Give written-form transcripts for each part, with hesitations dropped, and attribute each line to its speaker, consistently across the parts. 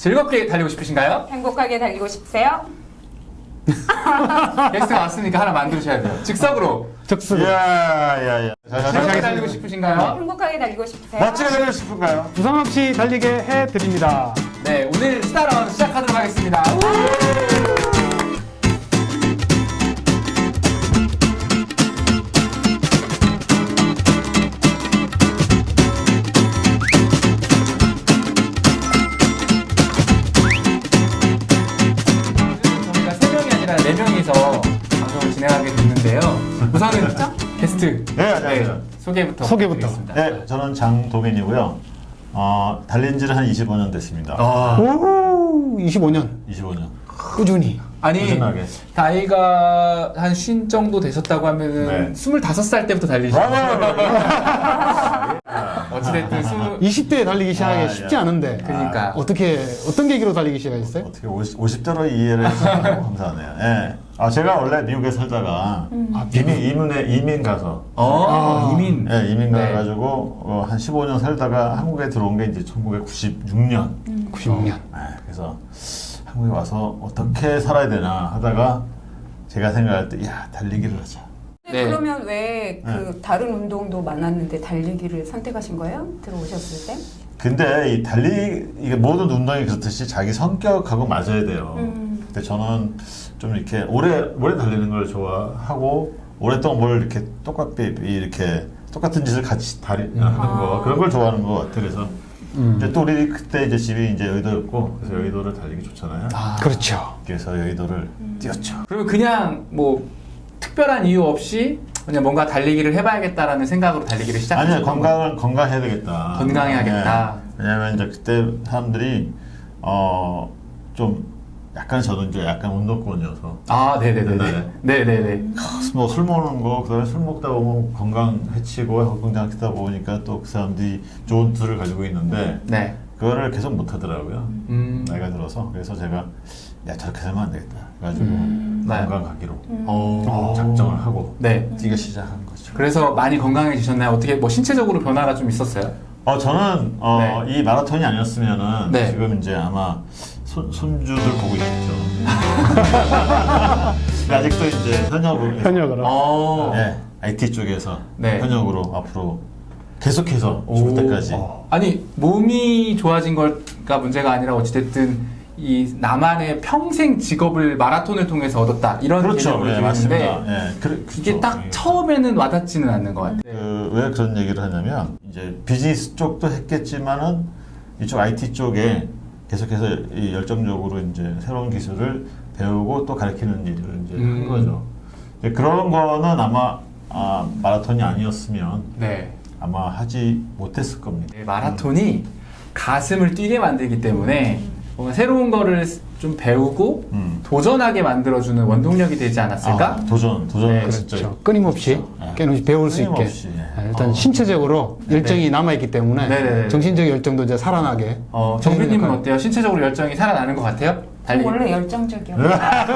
Speaker 1: 즐겁게 달리고 싶으신가요?
Speaker 2: 행복하게 달리고 싶으세요?
Speaker 1: 게스트가 왔으니까 하나 만드셔야 돼요. 즉석으로.
Speaker 3: 적수로
Speaker 4: 야야야.
Speaker 1: 즐겁게 달리고 싶으신가요?
Speaker 2: 행복하게 달리고 싶으세요?
Speaker 4: 멋지게 달리고 싶은가요?
Speaker 3: 부상 없이 달리게 해드립니다.
Speaker 1: 네, 오늘 스타라운 시작하도록 하겠습니다. 저희가 3명이 아니라 4명이서 방송을 진행하게 됐는데요. 우선은 게스트
Speaker 4: 네, 안녕하세요.
Speaker 1: 소개부터
Speaker 3: 소개부터.
Speaker 1: 부탁드리겠습니다.
Speaker 4: 네, 저는 장동현이고요. 달린 지는 한 25년 됐습니다.
Speaker 3: 오, 25년
Speaker 4: 25년.
Speaker 3: 꾸준히.
Speaker 1: 아니,
Speaker 4: 꾸준하게.
Speaker 1: 나이가 한 50 정도 되셨다고 하면은
Speaker 4: 네.
Speaker 1: 25살 때부터 달리시죠. 어찌됐든
Speaker 3: 20대에 달리기 시작하기
Speaker 4: 아,
Speaker 3: 쉽지
Speaker 4: 예.
Speaker 3: 않은데.
Speaker 1: 그러니까.
Speaker 3: 어떤 계기로 달리기 시작했어요?
Speaker 4: 어떻게 50대로 이해를 해주셔서 감사하네요. 예. 제가 원래 미국에 살다가 이민 가서
Speaker 1: 이민.
Speaker 4: 예, 이민
Speaker 1: 네.
Speaker 4: 가가지고 한 15년 살다가 한국에 들어온 게 이제 1996년.
Speaker 3: 96년.
Speaker 4: 그래서 한국에 와서 어떻게 살아야 되나 하다가 제가 생각할 때, 야, 달리기를 하자.
Speaker 1: 네.
Speaker 2: 그러면 왜 그 다른 운동도 많았는데 달리기를 선택하신 거예요? 들어오셨을 때?
Speaker 4: 근데 이게 모든 운동이 그렇듯이 자기 성격하고 맞아야 돼요. 근데 저는 좀 이렇게 오래 달리는 걸 좋아하고 오랫동안 뭘 이렇게 똑같은 짓을 같이 하는 거 그런 걸 좋아하는 것 같아요. 그래서 이제 또 우리 그때 이제 집이 이제 여의도였고 그래서 여의도를 달리기 좋잖아요.
Speaker 3: 그렇죠.
Speaker 4: 그래서 여의도를 뛰었죠.
Speaker 1: 그러면 그냥 뭐 특별한 이유 없이 그냥 뭔가 달리기를 해봐야겠다라는 생각으로 달리기를 시작하신
Speaker 4: 아니요, 건강해야 되겠다.
Speaker 1: 건강해야겠다.
Speaker 4: 네. 왜냐면 이제 그때 사람들이 좀 약간 저도 이제 약간 운동권이어서
Speaker 1: 네네네네. 네네네.
Speaker 4: 뭐 술 먹는 거 그다음에 술 먹다 보면 건강 해치고 건강하다 보니까 또 그 사람들이 좋은 뜻을 가지고 있는데
Speaker 1: 네.
Speaker 4: 그거를 계속 못 하더라고요. 나이가 들어서 그래서 제가 야 저렇게 살면 안 되겠다. 그래가지고 건강 가기로 작정을 하고
Speaker 1: 네.
Speaker 4: 뛰기 시작한 거죠.
Speaker 1: 그래서 많이 건강해지셨나요? 어떻게 뭐 신체적으로 변화가 좀 있었어요?
Speaker 4: 저는 이 마라톤이 아니었으면은
Speaker 1: 네.
Speaker 4: 지금 이제 아마 손주들 보고 있겠죠. 근데 아직도 이제
Speaker 3: 현역으로.
Speaker 4: 네, IT 쪽에서
Speaker 1: 네.
Speaker 4: 현역으로 앞으로 계속해서 죽을 때까지.
Speaker 1: 아니 몸이 좋아진 거가 문제가 아니라 어찌됐든 이 나만의 평생 직업을 마라톤을 통해서 얻었다 이런
Speaker 4: 그렇죠.
Speaker 1: 개념으로
Speaker 4: 네,
Speaker 1: 들리는데
Speaker 4: 맞습니다. 네,
Speaker 1: 이게
Speaker 4: 그렇죠.
Speaker 1: 딱 처음에는 와닿지는 않는 것 같아요.
Speaker 4: 왜 그런 얘기를 하냐면 이제 비즈니스 쪽도 했겠지만은 이쪽 IT 쪽에 계속해서 이 열정적으로 이제 새로운 기술을 배우고 또 가르치는 일을 이제 한 거죠. 이제 그런 거는 아마 마라톤이 아니었으면
Speaker 1: 네.
Speaker 4: 아마 하지 못했을 겁니다.
Speaker 1: 네, 마라톤이 가슴을 뛰게 만들기 때문에 뭔가 새로운 거를 좀 배우고 도전하게 만들어주는 원동력이 되지 않았을까?
Speaker 4: 도전
Speaker 1: 네,
Speaker 4: 진짜
Speaker 3: 그렇죠. 끊임없이 배울 수 있게.
Speaker 4: 끊임없이,
Speaker 3: 일단 신체적으로 열정이 남아있기 때문에
Speaker 1: 네네네.
Speaker 3: 정신적 열정도 이제 살아나게.
Speaker 1: 정빈님은 어때요? 신체적으로 열정이 살아나는 것 같아요? 달리기.
Speaker 2: 원래 열정적이었어요.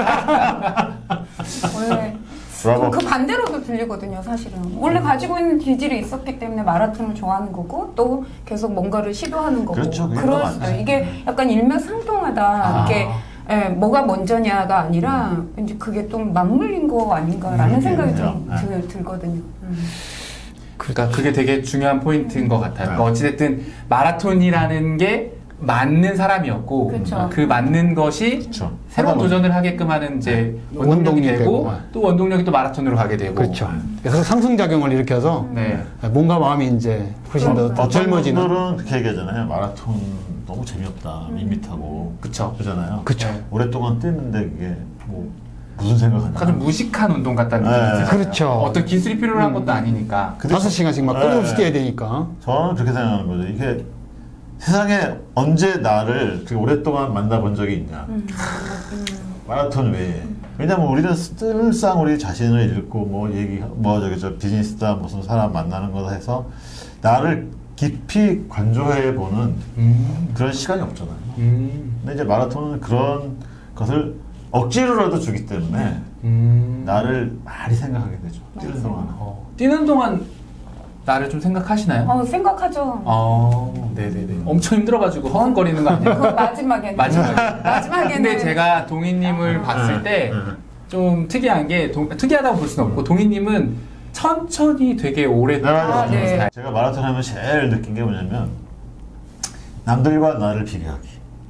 Speaker 2: 원래
Speaker 4: 브라보.
Speaker 2: 그 반대로도 들리거든요, 사실은. 원래 가지고 있는 기질이 있었기 때문에 마라톤을 좋아하는 거고 또 계속 뭔가를 시도하는 거고.
Speaker 4: 그렇죠, 그게 더
Speaker 2: 그럴
Speaker 4: 맞죠.
Speaker 2: 이게 약간 일맥상통하다. 이게 뭐가 먼저냐가 아니라 이제 그게 좀 맞물린 거 아닌가라는 생각이 좀 들거든요.
Speaker 1: 그러니까 그게 되게 중요한 포인트인 것 같아요. 그러니까 어찌됐든 마라톤이라는 게 맞는 사람이었고
Speaker 2: 그쵸.
Speaker 1: 그 맞는 것이
Speaker 4: 그쵸.
Speaker 1: 새로운
Speaker 4: 하다
Speaker 1: 도전을 하게끔 이제 원동력이
Speaker 3: 원동력이
Speaker 1: 되고
Speaker 3: 되고.
Speaker 1: 또 원동력이 또 마라톤으로 가게 되고
Speaker 3: 그렇죠. 그래서 상승작용을 일으켜서
Speaker 1: 네.
Speaker 3: 몸과 마음이 이제 훨씬 더
Speaker 4: 어떤
Speaker 3: 젊어지는.
Speaker 4: 분들은 그렇게 얘기하잖아요. 마라톤 너무 재미없다, 밋밋하고
Speaker 1: 그쵸.
Speaker 4: 그러잖아요.
Speaker 3: 그쵸.
Speaker 1: 네.
Speaker 4: 오랫동안 뛰는데 그게 뭐 무슨 생각하나?
Speaker 1: 약간 좀 무식한 운동 같다는 느낌이
Speaker 4: 네.
Speaker 1: 들어요.
Speaker 3: 그렇죠.
Speaker 1: 어떤 기술이 필요한 것도 아니니까.
Speaker 4: 근데
Speaker 3: 5시간씩 막 끊임없이 뛰어야 되니까.
Speaker 4: 저는 그렇게 생각하는 거죠. 이게 세상에 언제 나를 그렇게 오랫동안 만나본 적이 있냐? 마라톤 외에. 왜냐면 우리는 늘상 우리 자신을 읽고 저 비즈니스다 무슨 사람 만나는 거다 해서 나를 깊이 관조해 보는 그런 시간이 없잖아요. 근데 이제 마라톤은 그런 것을 억지로라도 주기 때문에 나를 많이 생각하게 되죠. 뛰는 동안.
Speaker 1: 뛰는 동안 나를 좀 생각하시나요?
Speaker 2: 생각하죠.
Speaker 1: 네네네. 엄청 힘들어가지고 허걱거리는 거 아니에요?
Speaker 2: 그 마지막에는.
Speaker 1: 마지막에는. 근데 제가 동희님을 봤을 때 좀 특이한 게, 특이하다고 볼 수는 없고, 동희님은 천천히 되게 오래
Speaker 4: 맞아요.
Speaker 2: 네.
Speaker 1: 스타일.
Speaker 4: 제가 마라톤 하면 제일 느낀 게 뭐냐면 남들과 나를 비교하기.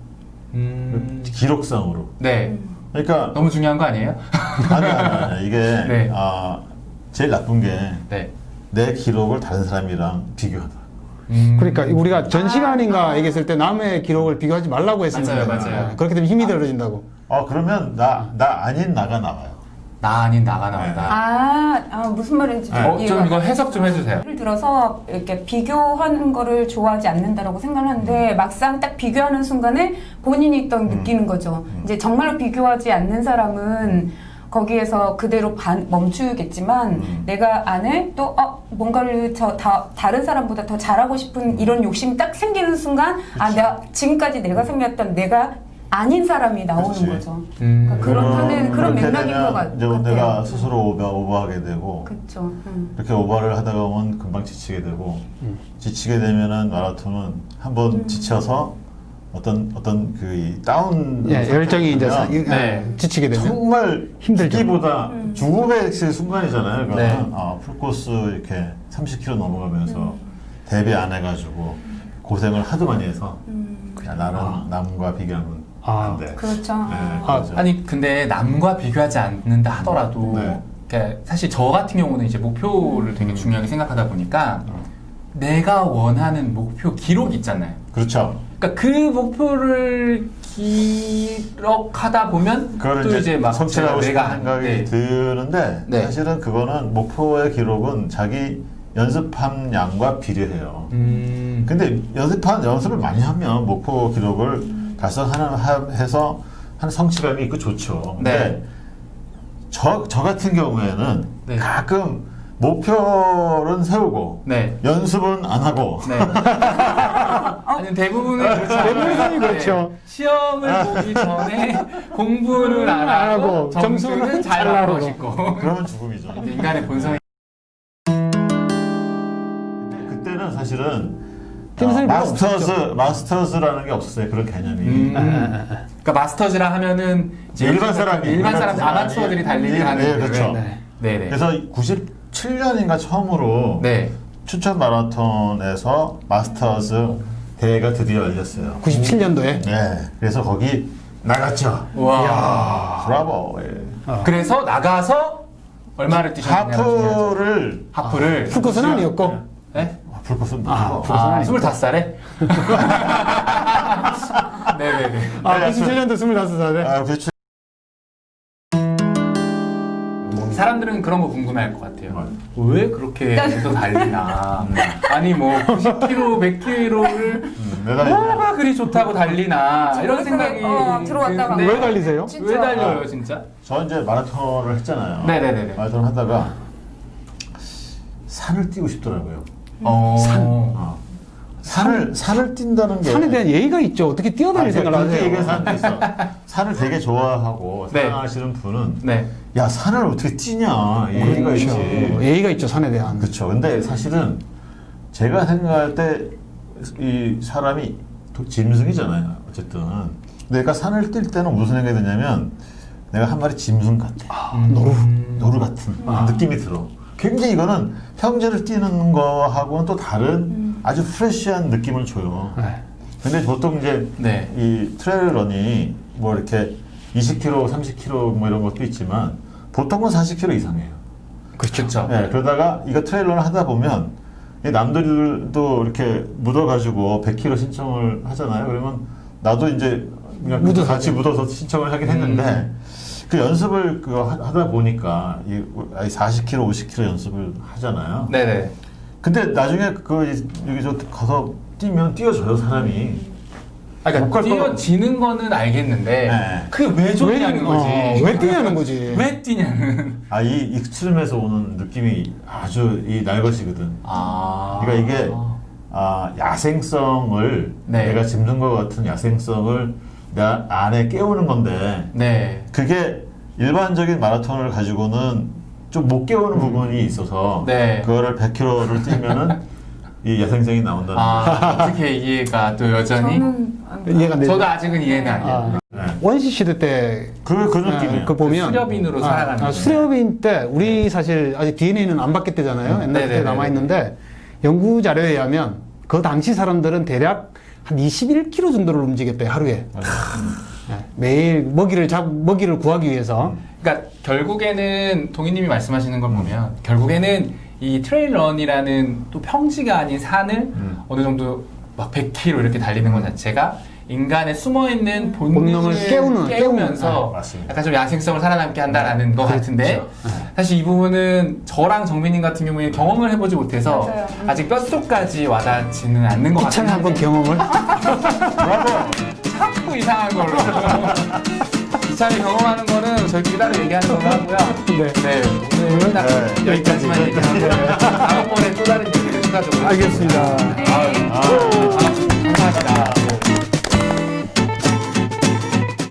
Speaker 4: 기록상으로.
Speaker 1: 네.
Speaker 4: 그러니까
Speaker 1: 너무 중요한 거 아니에요?
Speaker 4: 아니 이게
Speaker 1: 네.
Speaker 4: 제일 나쁜 게 내
Speaker 1: 네.
Speaker 4: 기록을 다른 사람이랑 비교하다.
Speaker 3: 그러니까 우리가 전 시간인가 얘기했을 때 남의 기록을 비교하지 말라고 했습니다.
Speaker 1: 맞아요.
Speaker 3: 그렇게 되면 힘이 들어진다고.
Speaker 4: 그러면 나 아닌 나가 나와요.
Speaker 1: 나 아닌 나가 나온다.
Speaker 2: 무슨 말인지
Speaker 1: 좀 이거 해석 좀 해주세요.
Speaker 2: 예를 들어서 이렇게 비교하는 거를 좋아하지 않는다라고 생각하는데 막상 딱 비교하는 순간에 본인이 또 느끼는 거죠. 이제 정말로 비교하지 않는 사람은 거기에서 그대로 멈추겠지만 내가 안에 또 뭔가를 다른 사람보다 더 잘하고 싶은 이런 욕심이 딱 생기는 순간 내가 지금까지 내가 생겼던 내가 아닌 사람이 나오는
Speaker 4: 그치.
Speaker 2: 거죠. 그러니까 그런
Speaker 4: 그렇게
Speaker 2: 맥락인
Speaker 4: 되면
Speaker 2: 것 같아요.
Speaker 4: 이제 내가 스스로 오버하게 되고
Speaker 2: 그렇죠.
Speaker 4: 이렇게 오버를 하다가 보면 금방 지치게 되고 지치게 되면은 마라톤은 한번 지쳐서 어떤 이 다운
Speaker 3: 열정이 이제
Speaker 1: 네.
Speaker 3: 지치게 되면
Speaker 4: 정말
Speaker 3: 힘들죠.
Speaker 4: 죽기보다 죽음의 순간이잖아요. 그거는
Speaker 1: 네.
Speaker 4: 풀코스 이렇게 30km 넘어가면서 대비 안 해가지고 고생을 하도 많이 해서 그냥 나는 남과 비교하면 안 돼.
Speaker 2: 그렇죠.
Speaker 4: 네, 그렇죠.
Speaker 1: 아니 근데 남과 비교하지 않는다 하더라도
Speaker 4: 네.
Speaker 1: 그러니까 사실 저 같은 경우는 이제 목표를 되게 중요하게 생각하다 보니까 내가 원하는 목표 기록 있잖아요.
Speaker 4: 그렇죠.
Speaker 1: 그러니까 그 목표를 기록하다 보면
Speaker 4: 그걸
Speaker 1: 또 이제 막
Speaker 4: 성취하고 싶은
Speaker 1: 내가
Speaker 4: 생각이
Speaker 1: 네.
Speaker 4: 드는데
Speaker 1: 네.
Speaker 4: 사실은 그거는 목표의 기록은 자기 연습한 양과 비례해요. 근데 연습을 많이 하면 목표 기록을 달성해서 하는 성취감이 있고 좋죠. 근데
Speaker 1: 네.
Speaker 4: 저 같은 경우에는
Speaker 1: 네.
Speaker 4: 가끔 목표는 세우고
Speaker 1: 네.
Speaker 4: 연습은 안 하고
Speaker 1: 네. 아니 대부분은 그렇죠.
Speaker 3: 대부분 사람이 그렇죠.
Speaker 1: 네. 시험을 보기 전에 공부를 안 하고 점수는 잘 나오고 싶고
Speaker 4: 그러면 죽음이죠.
Speaker 1: 인간의 본성이
Speaker 4: 그때는 사실은
Speaker 3: 팀선이 별로
Speaker 4: 마스터즈라는 게 없었어요. 그런 개념이.
Speaker 1: 그러니까 마스터즈라 하면은 이제
Speaker 4: 일반 사람이
Speaker 1: 아마추어들이 달리기 하는
Speaker 4: 네, 그렇죠.
Speaker 1: 네네.
Speaker 4: 그래서 97년인가 처음으로
Speaker 1: 네.
Speaker 4: 추천 마라톤에서 마스터즈 대회가 드디어 열렸어요.
Speaker 3: 97년도에
Speaker 4: 네. 그래서 거기 나갔죠.
Speaker 1: 와.
Speaker 4: 브라보. 예.
Speaker 1: 그래서 나가서 얼마를 뛰셨냐면 하프를
Speaker 3: 풀코스는 아니었고
Speaker 1: 네?
Speaker 4: 풀코스는
Speaker 3: 아,
Speaker 4: 아니고.
Speaker 1: 25살에? 네네네.
Speaker 3: 97년도 25살에
Speaker 4: 그렇죠.
Speaker 1: 사람들은 그런 거 궁금해할 것 같아요.
Speaker 4: 맞아요.
Speaker 1: 왜 그렇게 또 달리나? 아니 뭐 90km, 100km를 뭐가 그리 좋다고 달리나? 이런 생각이
Speaker 2: 들어왔다가
Speaker 1: 드는데
Speaker 3: 왜 달리세요?
Speaker 1: 왜 달려요, 진짜?
Speaker 4: 저 이제 마라톤을 했잖아요.
Speaker 1: 네네네네.
Speaker 4: 마라톤 하다가 산을 뛰고 싶더라고요. 산을 뛴다는 게
Speaker 3: 산에 대한 예의가 있죠. 어떻게 뛰어다닐 생각을
Speaker 4: 그렇게 얘기하는
Speaker 3: 하세요?
Speaker 4: 사람도 있어. 산을 되게 좋아하고
Speaker 1: 네.
Speaker 4: 사랑하시는 분은
Speaker 1: 네.
Speaker 4: 야 산을 어떻게 뛰냐 예의가 있지.
Speaker 3: 예의가 있죠. 산에 대한.
Speaker 4: 그렇죠. 근데 사실은 제가 생각할 때 이 사람이 짐승이잖아요. 어쨌든 내가 산을 뛸 때는 무슨 생각이 드냐면 내가 한 마리 짐승 같아. 노루 같은 느낌이 들어. 굉장히 이거는 평지를 뛰는 거하고는 또 다른 아주 프레시한 느낌을 줘요.
Speaker 3: 네.
Speaker 4: 근데 보통 이제
Speaker 1: 네.
Speaker 4: 이 트레일런이 뭐 이렇게 20km, 30km 뭐 이런 것도 있지만 보통은 40km 이상이에요.
Speaker 1: 그렇죠.
Speaker 4: 네, 그러다가 이거 트레일런을 하다 보면 이 남들도 이렇게 묻어가지고 100km 신청을 하잖아요. 그러면 나도 이제 그냥 같이 묻어서 신청을 하긴 했는데 그 연습을 하다 보니까 이 40km, 50km 연습을 하잖아요.
Speaker 1: 네네.
Speaker 4: 근데 나중에 여기 저 가서 뛰면 뛰어져요 사람이.
Speaker 1: 그러니까 뛰어지는 거는 알겠는데
Speaker 4: 네.
Speaker 1: 그게 왜 좋냐는 거지.
Speaker 3: 왜 뛰냐는 거지.
Speaker 1: 왜 뛰냐는.
Speaker 4: 이 익스트림에서 오는 느낌이 아주 이 날것이거든. 그러니까 이게 야생성을
Speaker 1: 네.
Speaker 4: 내가 짐승과 같은 야생성을 내 안에 깨우는 건데
Speaker 1: 네.
Speaker 4: 그게 일반적인 마라톤을 가지고는 좀 못 깨우는 부분이 있어서
Speaker 1: 네.
Speaker 4: 그거를 100km를 뛰면은 이 야생생이 나온다는
Speaker 1: 어떻게 이해가 또 여전히?
Speaker 2: 저는
Speaker 3: 이해가 안 되죠.
Speaker 1: 저도 아직은 이해는 안 돼요.
Speaker 3: 아,
Speaker 4: 네.
Speaker 3: 원시 시대 때
Speaker 4: 그 느낌이에요.
Speaker 3: 그 보면
Speaker 1: 수렵인으로 살아가는 거죠.
Speaker 3: 수렵인 때 우리 사실 아직 DNA는 안 바뀌었대잖아요. 옛날 때
Speaker 1: 네네네네.
Speaker 3: 남아 있는데 연구 자료에 의하면 그 당시 사람들은 대략 한 21km 정도를 움직였대요 하루에. 네, 매일 먹이를 구하기 위해서.
Speaker 1: 그러니까 결국에는 동희님이 말씀하시는 걸 보면 결국에는 이 트레일런이라는 또 평지가 아닌 산을 어느 정도 막 100km 이렇게 달리는 것 자체가 인간의 숨어있는 본능을 깨우면서
Speaker 4: 네, 맞습니다.
Speaker 1: 약간 좀 야생성을 살아남게 한다라는 것 같은데 사실 이 부분은 저랑 정민님 같은 경우에 경험을 해보지 못해서
Speaker 2: 맞아요.
Speaker 1: 아직 뼛속까지 와닿지는 않는 것
Speaker 3: 이참에
Speaker 1: 같아요.
Speaker 3: 한번 경험을.
Speaker 1: 자꾸 이상한 걸로. 이참에 경험하는 거는 저희끼리 따로 얘기하는 걸로 하고요.
Speaker 3: 네.
Speaker 1: 오늘 딱
Speaker 4: 네.
Speaker 1: 여기까지만 얘기하고 다음번에 또 다른 얘기를 추가적으로.
Speaker 3: 알겠습니다.
Speaker 1: 감사합니다.